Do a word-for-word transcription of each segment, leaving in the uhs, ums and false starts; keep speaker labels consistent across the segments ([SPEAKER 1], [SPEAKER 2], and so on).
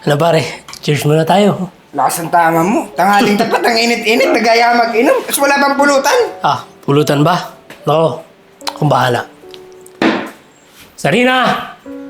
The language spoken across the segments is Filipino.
[SPEAKER 1] Ano pare, cheers muna tayo.
[SPEAKER 2] Lakas ang tama mo. Tanghaling tapat, ang init-init, nagaya mag-inom. Tapos wala bang pulutan?
[SPEAKER 1] Ah, pulutan ba? Nako, akong bahala. Sarina!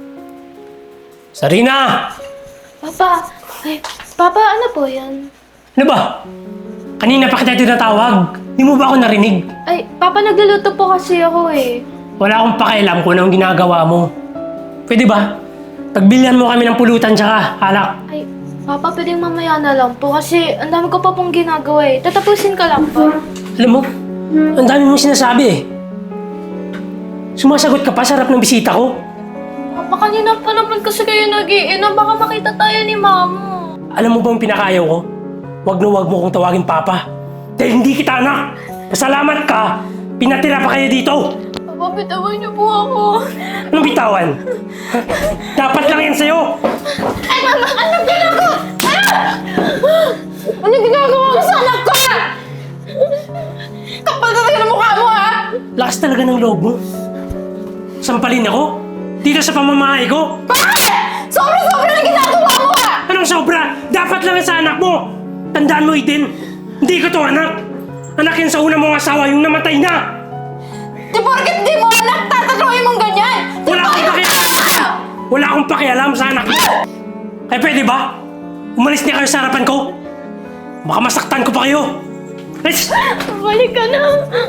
[SPEAKER 1] Sarina!
[SPEAKER 3] Papa, ay, Papa, ano po yan?
[SPEAKER 1] Ano ba? Kanina pa kita tinatawag. Di mo ba ako narinig?
[SPEAKER 3] Ay, Papa, nagluluto po kasi ako eh.
[SPEAKER 1] Wala akong pakialam kung anong ginagawa mo. Pwede ba? Pagbilhan mo kami ng pulutan tsaka alak.
[SPEAKER 3] Ay, Papa, pwedeng mamaya na lang po kasi ang dami ko pa pong ginagawa eh. Tatapusin ka lang po.
[SPEAKER 1] Alam mo, ang dami mong sinasabi eh. Sumasagot ka pa sa harap ng bisita ko.
[SPEAKER 3] Papa, kanina pa naman kasi kayo nag-iinom. Baka makita tayo ni Mama.
[SPEAKER 1] Alam mo ba ang pinakayaw ko? Huwag na huwag mo kong tawagin Papa. Dahil hindi kita anak. Pasalamat ka, pinatira pa kayo dito.
[SPEAKER 3] Papa, bitawan niyo po ako.
[SPEAKER 1] Anong bitawan? Dapat lang yan sa'yo.
[SPEAKER 3] Ay, Mama! Anong ginagawa? Ah! Anong ginagawa mo sa anak ko? Kapal talaga ng mukha mo, ha?
[SPEAKER 1] Lakas talaga ng loob mo. Sampalin ako? Dito sa pamamahay ko?
[SPEAKER 3] Bakit? Sobra-sobra na ginagawa mo, ha?
[SPEAKER 1] Anong sobra? Dapat lang yan sa anak mo. Tandaan mo, Eden. Hindi ko to anak. Anak yan sa una mong asawa, yung namatay na.
[SPEAKER 3] Di porket di mo anak, tatatloy mong ganyan! Di
[SPEAKER 1] Wala akong pakialam. Wala akong pakialam sa anak mo. Kaya pwede ba? Umalis niya kayo sa harapan ko. Baka masaktan ko pa kayo. Let's...
[SPEAKER 3] Balik ka na!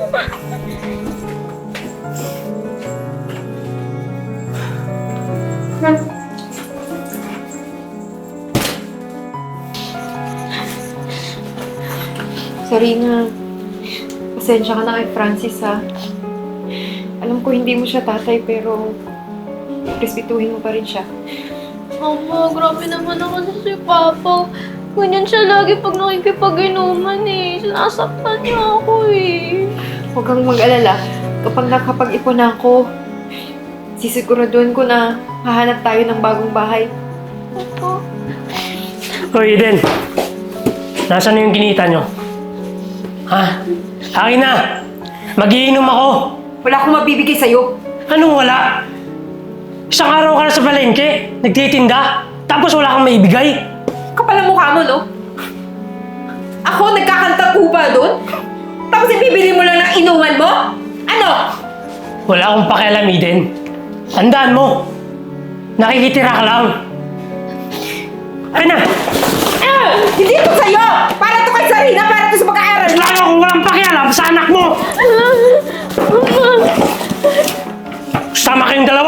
[SPEAKER 4] Sarina, pasensya ka na kay Francis ha. Alam ko hindi mo siya tatay pero respetuhin mo pa rin siya.
[SPEAKER 3] Mama, grabe naman ako sa si Papa. Ganyan siya lagi pag nakikipag-inuman eh. Sinasaktan niya ako eh.
[SPEAKER 4] Huwag kang mag-alala. Kapag nakapag-ipon na ako, sisiguraduhan ko na hahanap tayo ng bagong bahay.
[SPEAKER 3] Papa.
[SPEAKER 1] Hoy, Eden. Nasaan na yung kinita nyo? Ha? Akin na! Magiinom ako!
[SPEAKER 4] Wala akong mabibigay sa'yo.
[SPEAKER 1] Anong wala? Isang araw ka na sa palengke, nagtitinda, tapos wala kang maibigay.
[SPEAKER 4] Kapal ang mukha mo, no? Ako, nagkakanta po ba doon? Tapos ibibili mo lang ng inuman mo? Ano?
[SPEAKER 1] Wala akong pakialam, Eden. Tandaan mo, nakikitira ka lang. Ay na!
[SPEAKER 4] Ah! Hindi ito sa'yo! Para to kay Sarina, para to sa pag-aaral mo!
[SPEAKER 1] Lalo kung walang pakialam sa anak mo! Sama kayong dalawa!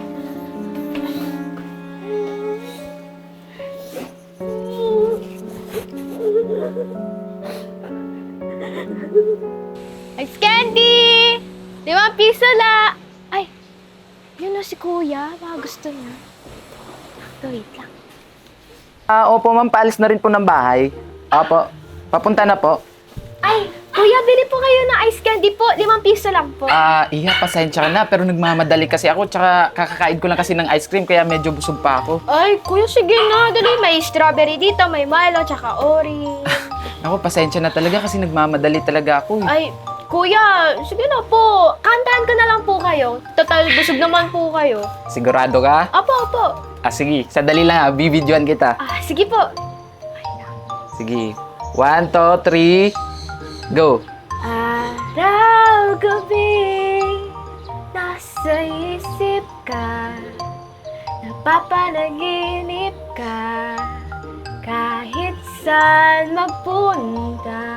[SPEAKER 3] Ice candy! Limang piso la! Ay, yun na si Kuya. Baka gusto niya. Ito, wait lang.
[SPEAKER 2] Ah, opo ma'am, paalis na rin po ng bahay. Opo, papunta na po.
[SPEAKER 3] Ay, Kuya, bili po kayo ng ice candy po. Limang piso lang po.
[SPEAKER 2] Ah, iya, pasensya ka na, pero nagmamadali kasi ako, tsaka kakakain ko lang kasi ng ice cream, kaya medyo busog pa ako.
[SPEAKER 3] Ay, Kuya, sige na. Dali, may strawberry dito, may Milo, tsaka orange.
[SPEAKER 2] Ako, pasensya na talaga kasi nagmamadali talaga ako. Eh.
[SPEAKER 3] Ay, Kuya, sige na po. Kantahan ko na lang po kayo. Total, busog naman po kayo.
[SPEAKER 2] Sigurado ka?
[SPEAKER 3] Apo, apo.
[SPEAKER 2] Ah, sige, sadali lang ha, bibidyoan kita.
[SPEAKER 3] Ah, sige po.
[SPEAKER 2] Sige, one, two, three, go.
[SPEAKER 3] Araw, gabi, nasa isip ka, napapanaginip ka, kahit saan magpunta.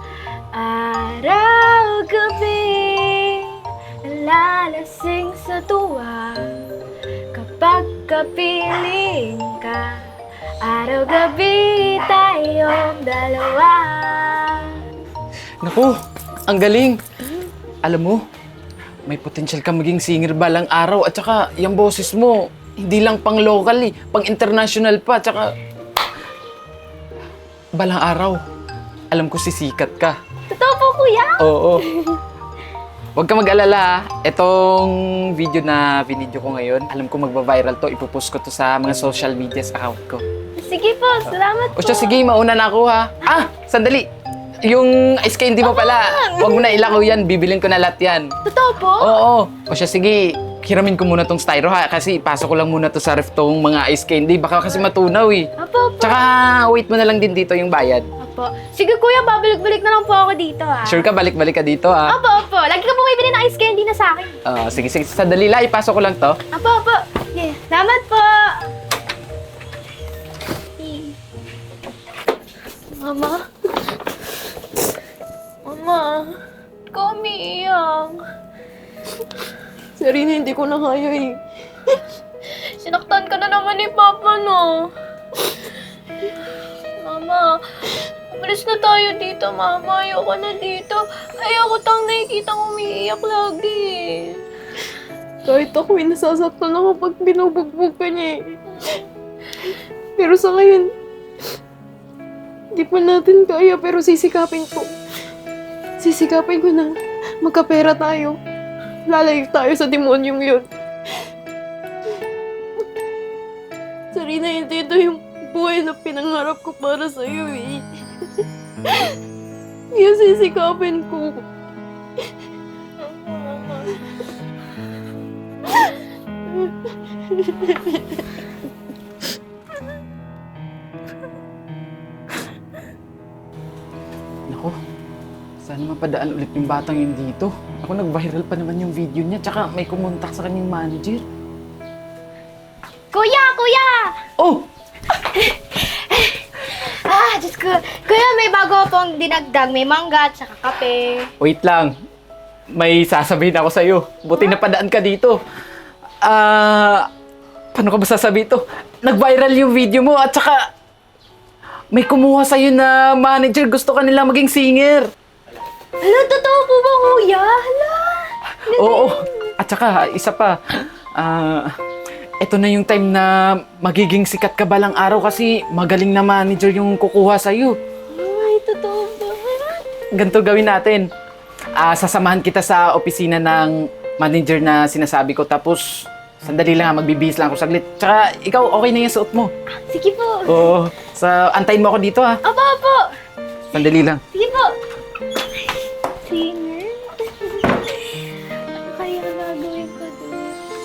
[SPEAKER 3] Araw, gabi, nalalasing sa tuwa, kapag kapiling ka. Araw-gabi tayong dalawa.
[SPEAKER 2] Naku, ang galing. Alam mo, may potential ka maging singer balang araw at saka yung boses mo, hindi lang pang local eh, pang international pa, at saka balang araw. Alam ko sisikat ka.
[SPEAKER 3] Totoo po, Kuya?
[SPEAKER 2] Oo. Huwag ka mag-alala ha. Itong video na binidyo ko ngayon, alam ko magba-viral to. Ipopost ko to sa mga social medias account ko.
[SPEAKER 3] Sige po, salamat po.
[SPEAKER 2] O siya, sige, mauna na ako ha. Ah, sandali. Yung ice candy mo pala, huwag mo na ilakaw yan. Bibilin ko na lahat yan.
[SPEAKER 3] Totoo po?
[SPEAKER 2] Oo. O siya, sige. hiramin ko muna tong styro ha, kasi ipasok ko lang muna to sa ref tong mga ice candy. Baka kasi matunaw eh.
[SPEAKER 3] Apo, apo.
[SPEAKER 2] Tsaka wait mo na lang din dito yung bayad.
[SPEAKER 3] Apo. Sige kuya, babalik-balik na lang po ako dito ah.
[SPEAKER 2] Sure ka, balik-balik ka dito ha.
[SPEAKER 3] Apo, apo. Lagi ka bumibili ng ice candy na sa akin.
[SPEAKER 2] Ah, sige, sige, sandali lang, ipasok ko lang to.
[SPEAKER 3] Apo, apo. Yeah. Salamat po. Mama? Mama? Ikaw umiiyak.
[SPEAKER 4] Sarina, hindi ko na kaya eh.
[SPEAKER 3] Sinaktan ka na naman ni Papa, no? Mama, umalis na tayo dito, Mama. Ayoko na dito. Ayoko tang nakikita kong umiiyak lagi.
[SPEAKER 4] Kahit ako eh, nasasaktan ako pag binubugbog ka niya eh. Pero sa ngayon, di pa natin kaya pero sisikapin ko. Sisikapin ko na magkapera tayo. Lalayo tayo sa demonyong yun. Sarina, hindi ito yung buhay na pinangarap ko para sa'yo eh. Kaya sisikapin ko.
[SPEAKER 2] Naku, sana mapadaan ulit yung batang yun dito. Ako nag-viral pa naman yung video niya, tsaka may kumontak sa kanyang manager.
[SPEAKER 3] Kuya! Kuya!
[SPEAKER 2] Oh!
[SPEAKER 3] Ah, Diyos ko. Kuya, may bago pong dinagdag. May mangga at saka kape.
[SPEAKER 2] Wait lang. May sasabihin ako sa'yo. Buti napadaan ka dito. Ah, paano ka ba sasabihin to? Nag-viral yung video mo at saka may kumuha sa'yo na manager. Gusto ka nila maging singer.
[SPEAKER 3] Hala, totoo po ba, kuya? Hala.
[SPEAKER 2] Oo. At saka, isa pa. Ah, eto na yung time na magiging sikat ka balang araw kasi magaling na manager yung kukuha sa'yo.
[SPEAKER 3] Ay, totoo ba?
[SPEAKER 2] Ganito gawin natin. Ah, sasamahan kita sa opisina ng manager na sinasabi ko. Tapos, sandali lang ha, magbibihis lang ako saglit. Tsaka, ikaw, okay na yung suot mo.
[SPEAKER 3] Sige po.
[SPEAKER 2] Oo. Sa, antayin mo ako dito ha.
[SPEAKER 3] Apo, apo.
[SPEAKER 2] Sandali lang.
[SPEAKER 3] Sige po. Singer? Ano kaya gagawin ko doon?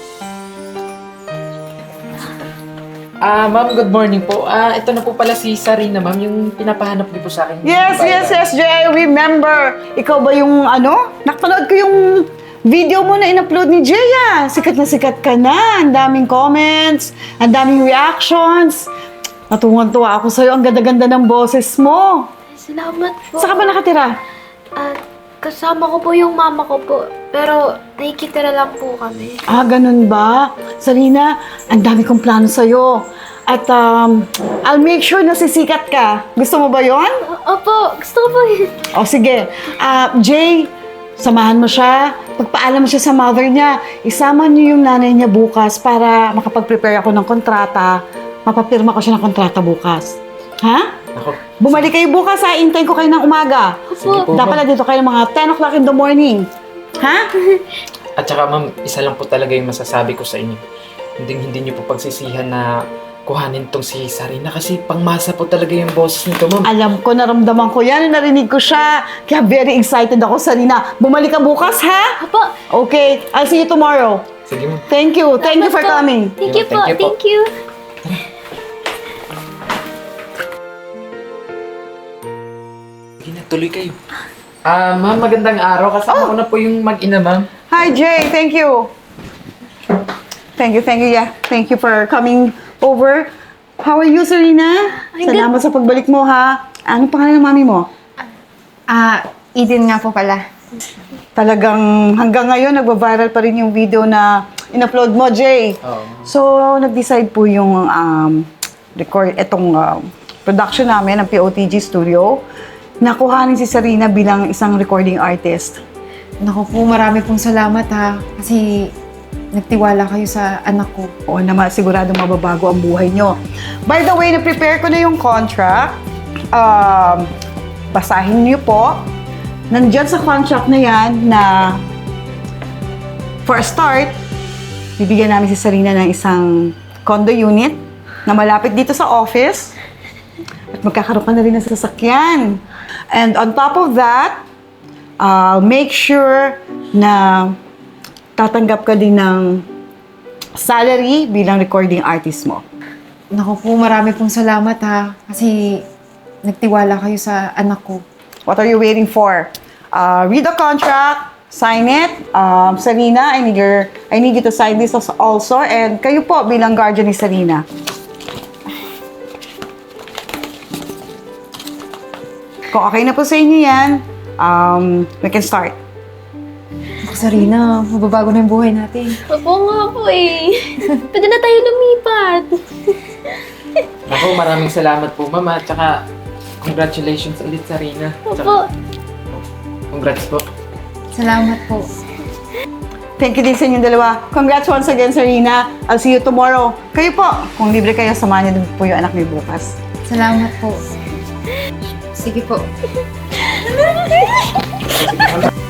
[SPEAKER 2] Ah, ma'am, good morning po. Ah, ito na po pala si Sarina, ma'am, yung pinapahanap niyo po sa akin.
[SPEAKER 5] Yes, yes, yes, Jay. I remember. Ikaw ba yung ano? Nakapanood ko yung video mo na in-upload ni Jay, ah. Sikat na sikat ka na. Ang daming comments, ang daming reactions. Natuwan-tuwa ako sa'yo. Ang ganda-ganda ng boses mo.
[SPEAKER 3] Salamat po.
[SPEAKER 5] Saan ka ba nakatira?
[SPEAKER 3] At kasama ko po yung mama ko po. Pero nakikitira lang po kami.
[SPEAKER 5] Ah, ganun ba? Sarina, ang dami kong plano sa'yo. At um, I'll make sure na sisikat ka. Gusto mo ba yon?
[SPEAKER 3] Opo, gusto ko po yun.
[SPEAKER 5] O sige, Ah, Jay, samahan mo siya. Pagpaalam mo siya sa mother niya. Isama niyo yung nanay niya bukas para makapag-prepare ako ng kontrata. Mapapirma ko siya ng kontrata bukas. Ha?
[SPEAKER 2] Ako.
[SPEAKER 5] Bumalik kayo bukas ha. Intayin ko kayo ng umaga.
[SPEAKER 2] Sige po,
[SPEAKER 5] Dapat na dito kayo mga ten o'clock in the morning. Ha?
[SPEAKER 2] At saka, ma'am, isa lang po talaga yung masasabi ko sa inyo. Hindi, hindi niyo po pagsisihan na kuhanin tong si Sarina kasi pangmasa po talaga yung boses nito, ma'am.
[SPEAKER 5] Alam ko, naramdaman ko yan. Narinig ko siya. Kaya very excited ako, Sarina. Bumalik ka bukas, ha?
[SPEAKER 3] Opo.
[SPEAKER 5] Okay. I'll see you tomorrow.
[SPEAKER 2] Sige, ma'am.
[SPEAKER 5] Thank you. Thank you for
[SPEAKER 3] Salamat po.
[SPEAKER 5] coming.
[SPEAKER 3] Thank you po.
[SPEAKER 2] Thank you po.
[SPEAKER 3] Thank you.
[SPEAKER 2] Sige na, tuloy kayo. Ah, ma'am, magandang araw. Kasama ko na po yung mag-ina, ma'am.
[SPEAKER 5] Hi, Jay. Thank you. Thank you, thank you, yeah. Thank you for coming over. How are you, Serena?
[SPEAKER 3] Ay,
[SPEAKER 5] Salamat sa pagbalik mo, ha? Anong pangalan ng mami mo?
[SPEAKER 4] Ah, Eden nga po pala.
[SPEAKER 5] Talagang hanggang ngayon, nagwa-viral pa rin yung video na in-upload mo, Jay.
[SPEAKER 2] Oo.
[SPEAKER 5] So, nag-decide po yung um, record, itong um, production namin ng P O T G Studio. Nakuhanin si Serena bilang isang recording artist.
[SPEAKER 4] Naku po, marami pong salamat ha. Kasi nagtiwala kayo sa anak ko.
[SPEAKER 5] Oo naman, siguradong mababago ang buhay nyo. By the way, na-prepare ko na yung contract. Um, basahin niyo po. Nandiyan sa contract na yan na for a start, bibigyan namin si Sarina ng isang condo unit na malapit dito sa office. At magkakaroon ka na rin ng sasakyan. And on top of that, I'll make sure na tatanggap ka din ng salary bilang recording artist mo.
[SPEAKER 4] Naku po, marami pong salamat ha. Kasi nagtiwala kayo sa anak ko.
[SPEAKER 5] What are you waiting for? Uh, read the contract, sign it. Um, Sarina, I need, your, I need you to sign this also. And kayo po bilang guardian ni Sarina. Kung okay na po sa inyo yan, um, we can start.
[SPEAKER 4] Naku, Sarina, mababago na yung buhay natin.
[SPEAKER 3] Opo nga po eh. Pwede na tayo lumipat.
[SPEAKER 2] Ako, maraming salamat po, Mama. Tsaka, congratulations ulit, Sarina.
[SPEAKER 3] Opo.
[SPEAKER 2] Congrats po.
[SPEAKER 4] Salamat po.
[SPEAKER 5] Thank you din sa inyong dalawa. Congrats once again, Sarina. I'll see you tomorrow. Kayo po, kung libre kayo, samahan niyo din po yung anak niyo bukas.
[SPEAKER 4] Salamat po. Sige po.